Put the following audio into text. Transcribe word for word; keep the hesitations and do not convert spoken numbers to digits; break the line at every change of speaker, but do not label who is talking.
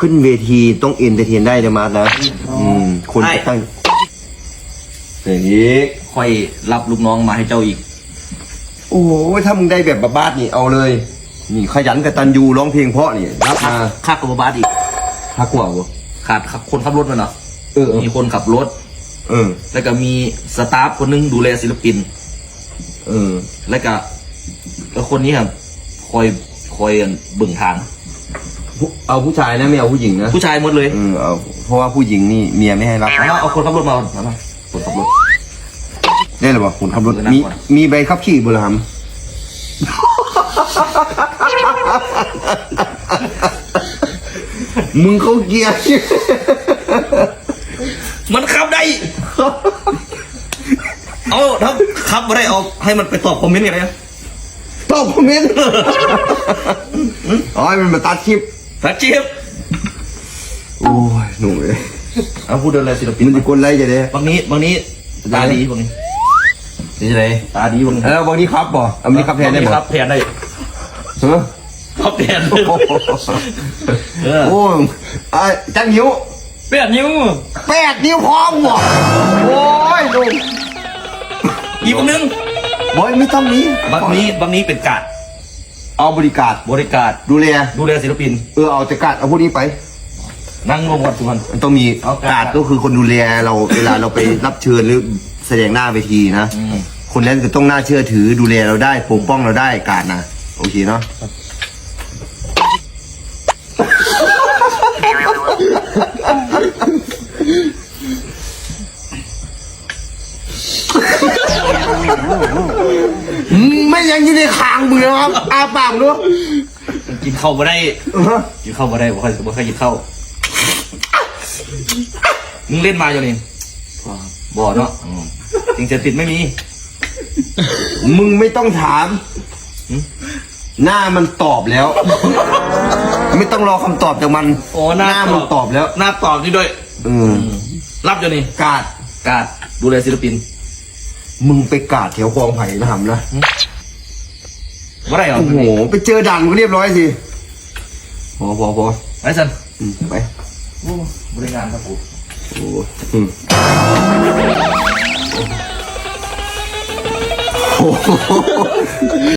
ขึ้นเวทีต้องเอนเตอร์เทนได้เลยมาร์ทนะอืมคนจะตั้งอย่างนี้
ค่อยรับลูกน้องมาให้เจ้าอีก
โอ้โหถ้ามึงได้แบบบ้าๆนี่เอาเลยนี่ขยันกตัญญูร้องเพลงเพราะนี่รับมา
ค่ากับบาสอีก
ค่ากว่าบ่
ขาดคนขับรถมันเหรอ
เออ
มีคนขับรถ
เออ
แล้วก็มีสตาฟคนนึงดูแลศิลปิน
เออ
แล้วก็แล้วคนนี้ครับคอยคอยเบิ่งทาง
เอาผู้ชายนะไม่เอาผู้หญิงนะ
ผู้ชายหมดเลย
เออเอาเพราะว่าผู้หญิงนี่เมียไม่ให้รับ
เอาเอาคนขับรถมาเอามาคนขับรถ
ได้หรือเปล่าคนขับรถมีมีใบขับขี่บุรหัมมึงเขาเกียร์
มันขับได้เอาถ้าขับไม่ได้เอาให้มันไปตอบคอมเมนต์กันเลย
ตอบคอมเมนต์อ๋อให้มันมาตัดคลิป
ตัดคลิป
โอ้ยหนุ่มเลย
เอาพูดอะไรศิลปิน
มันจะกลไรจะได้
บางนี้บางนี้ตาดีบางนี้
นี่จะไร
ตาดีบางนี้
แล้วบางนี้ครับบ่อันนี้ครับแทนได้บ่
ครับแทนได้
เออ
ครับแทน
โอ้ยไอ้จังนิ้ว
แปดนิ้ว
แปดนิ้วพร้อมหมดโอ้ยดู
อีกนึง
บอยไม่ต้องนี้
บางนี้บางนี้เป็นกาด
เอาบริการ
บริการ
ดูแล
ดูแลศิลปิน
เออเอาแต่กาดเอาพวกนี้ไป
นั่งรวมกันทุกคน
มันต้องมีกาดก็คือคนดูแลเราเวลาเราไปรับเชิญหรือแสดงหน้าเวทีนะคนนั้นก็ต้องน่าเชื่อถือดูแลเราได้ปกป้องเราได้กาดนะโอเคเนาะไม่ยังอยู่ในคางมึงนะครับอาปากด้วย
กินข้าวมาได้กินข้าวมาได้บ่ค่อยบ่ค่อยกินข้าวมึงเล่นมาอยู่นี่บ่เนาะจริงจะติดไม่มี
มึงไม่ต้องถามหน้ามันตอบแล้วไม่ต้องรอคำตอบจากมัน
โอ้หน้า
มันตอบแล้ว
หน้าตอบนี่ด้วย
เออ
รับอยู่นี่
กาด
กาดดูแลศิลปิน
มึงไปกาดแถวคลองไผ่นะหำนะ
ว่าไรเหรอ
โอ้โหไปเจอด่านก็เรียบร้อยสิพอพอพอ
ไปสัน
ไป
บริการครับผม
โอ้โห